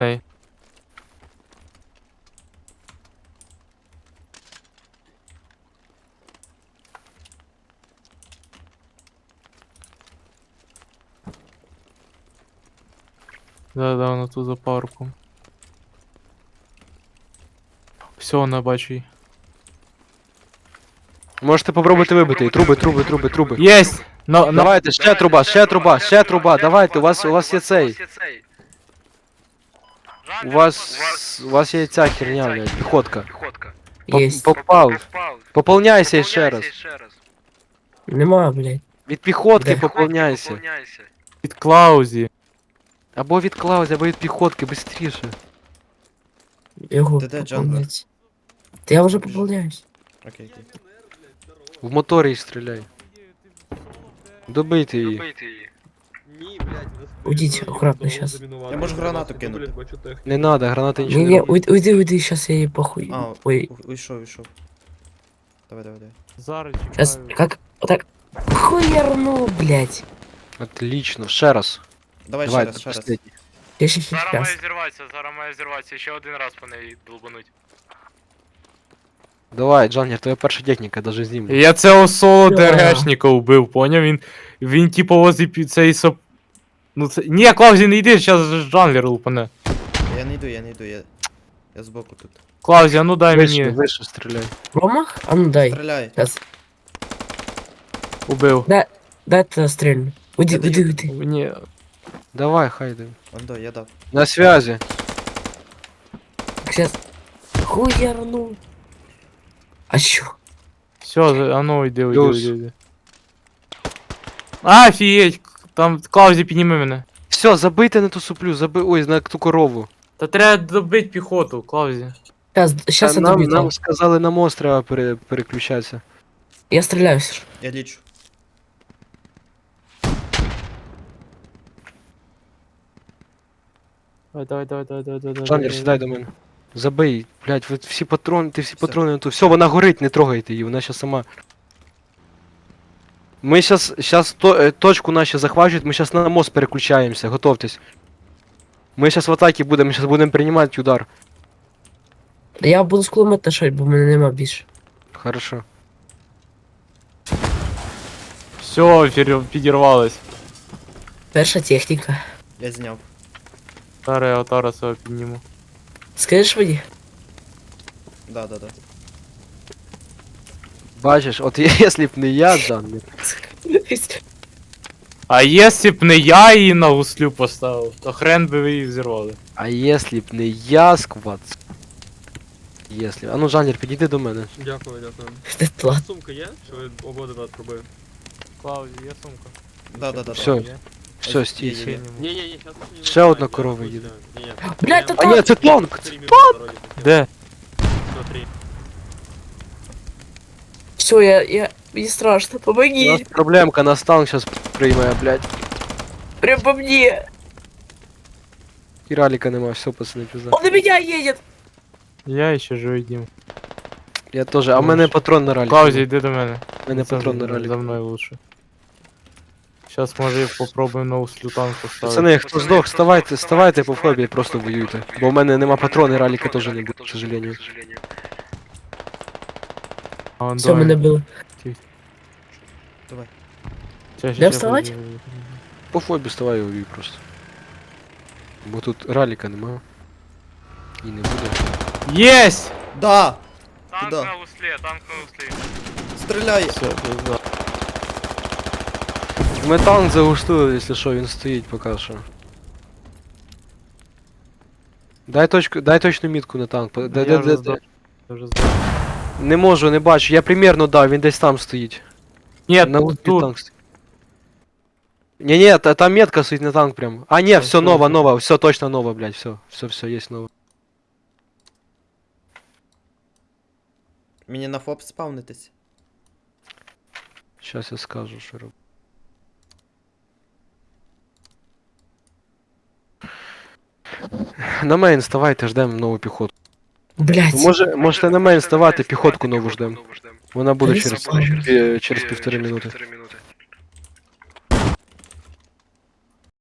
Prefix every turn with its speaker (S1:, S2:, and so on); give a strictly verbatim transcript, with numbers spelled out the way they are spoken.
S1: Ей. Да, да, вона тут за парком. Все, вона бачу її.
S2: Можете попробувати вибити. Труби, труби, труби, труби.
S1: Єсть! На, на...
S2: Давайте, ще труба, ще труба, ще труба. Давайте, у вас, у вас є цей. У вас, у вас є ця херня, блядь, піхотка. Поп-
S3: Есть.
S2: Попав. Пополняйся ще раз.
S3: Нема, блядь.
S2: Від піхотки
S3: Де?
S2: пополняйся.
S1: Від Клаузі.
S2: Або від Клаузі, або від піхотки, быстріше.
S3: Його
S4: Ти де, Джангл?
S3: пополнять. Та я вже пополняюсь.
S4: Окей, окей.
S2: В моторі стріляй. Добийте її.
S5: Ні, блядь,
S3: Уйдіть, акуратно щас.
S4: Я можу гранату кинути.
S2: Не надо, гранати нічого
S3: Не,
S2: не
S3: не,
S2: роблять.
S3: уйди, уйди, уйди, сейчас я ей похуй.
S4: А,
S3: Ой,
S4: у- уйшов, уйшов. Давай, давай, давай.
S1: Зараз
S3: сейчас,
S1: чекаю.
S3: как, вот так, хуярну, блядь.
S2: Отлично, ще раз.
S4: Давай, ще
S2: Давай,
S4: раз, ще раз.
S2: последній.
S3: Я сейчас,
S1: Зараз має
S3: сейчас.
S1: зірватися, зараз має зірватися. Ще один раз по неї долбануть.
S2: Давай, Джангер, твоя перша техніка, даже знімлю.
S1: Я цього соло
S3: Да.
S1: ДРГшника вбив, поняв? Він, він типу возле пі- цей соп... Ну це... Ні, Клаузі, не йди, зараз Джанглер лупане.
S4: Я не йду, я не йду, я... Я збоку тут.
S1: Клаузі, а ну дай
S2: Вище,
S1: мені.
S2: вище стріляй.
S3: Промах? А ну дай.
S4: Стріляй.
S3: Сейчас.
S1: Убив.
S3: Дай это стрельну. Уйди,
S4: Я
S3: уйди,
S4: даю.
S3: уйди.
S1: Ні.
S2: Давай, хайди.
S4: Ондо, я дав.
S2: На связи.
S3: Сейчас. Хуярну. А чё?
S1: Все, а ну йди, йди,
S2: Плюс.
S1: йди, йди. А, офігеть, там Клаузі підніми мене.
S2: Все, забийте на ту суплю, заби... Ой, на ту корову.
S1: Та треба добити піхоту, Клаузі.
S3: Сейчас, сейчас
S2: А
S3: я
S2: нам,
S3: добью.
S2: нам сказали на мост треба пере... переключатися.
S3: Я стреляюсь.
S4: Я лічу.
S1: Давай, давай, давай, давай, давай, давай.
S2: Джангер,
S1: давай.
S2: сідай до мене. Забий, блядь, ви всі патрони, ти всі
S4: Все.
S2: патрони на ту. Все, вона горить, не трогайте її, вона щас сама. Ми щас, щас то, е, точку наші захвачують, ми щас на мост переключаємося, готовтесь. Ми щас в атаці будемо, ми щас будемо приймати удар.
S3: Я буду з кулемета шать, бо в мене нема більше.
S2: Хорошо.
S1: Все, підірвалось.
S3: Перша техніка.
S4: Я зняв.
S1: Зараз я отара себе підніму.
S3: Скажеш мені?
S4: Да, да, да.
S2: Бачиш, от якщо б не я, Джангер.
S1: А якщо б не я її на гуслю поставив, то хрен би ви її взірвали.
S2: А якщо б не я, сквад. Якщо. А ну, Джангер, підійди до мене.
S5: Дякую, дякую.
S3: Це тлат.
S5: Сумка є? Що ви обидва пробили?
S1: Клаузі, є сумка.
S4: Да, да, да.
S2: Всё.
S4: да.
S2: Все, стій.
S4: Є, є.
S5: Ні, ні, ні, щас не
S2: Ще одна корова їде.
S3: Блядь, та
S2: А ні, це танк!
S1: Де?
S5: Смотри.
S3: Все, я, я, мені страшно,
S2: У нас
S3: помоги.
S2: проблемка, нас танк сейчас прийме, блядь.
S3: Прям по мне.
S2: І раліка нема, все, пацани, пізда.
S3: Он на меня едет.
S1: Я ще живий дім.
S2: Я теж, а в мене патрон на ралік.
S1: Клаузі, йди до мене.
S2: У мене
S1: Це
S2: патрон на
S1: за-
S2: ралік.
S1: За мною лучше. Сейчас може попробуємо на услю танк поставити.
S2: Пацани, хто здох, вставайте, вставайте по фобі, просто воюйте. Бо в мене нема патрон і раліка теж не буде, к сожалению.
S1: А, он
S3: Все,
S1: давай.
S3: мене було.
S4: Давай.
S1: Ща, ща,
S3: Де
S1: ща,
S3: вставать?
S1: подожди.
S2: По фобі вставай і воюй просто. Бо тут раліка нема. І не буде.
S1: Єсть!
S4: Да!
S1: Танк
S4: Куда?
S1: на услі, танк на услі.
S4: Стріляй!
S1: Все, пизда.
S2: Ми танк загустили, якщо що, він стоїть поки що. Дай точку, дай точну мітку на танк. Де,
S1: Я
S2: де,
S1: вже
S2: де,
S1: здох.
S2: де?
S1: Я вже здох.
S2: Не можу, не бачу. Я примерно дав, він десь там стоїть.
S1: Ні,
S2: На лупі
S1: тут.
S2: танк стоїть. Не, не, та, там метка стоит на танк прям. А, не,
S1: Да,
S2: все
S1: всё,
S2: ново,
S1: всё.
S2: ново, все точно ново, блядь, все, все, все, есть ново.
S4: Мені на фоп спавнитись.
S2: Сейчас я скажу, что роб... На мейн вставайте, ждем нову піхоту.
S3: Блять.
S2: Може, можете на мейн вставати, піхотку нову ждем. Вона буде
S3: Та
S2: через,
S3: не
S2: пі- через півтори минути.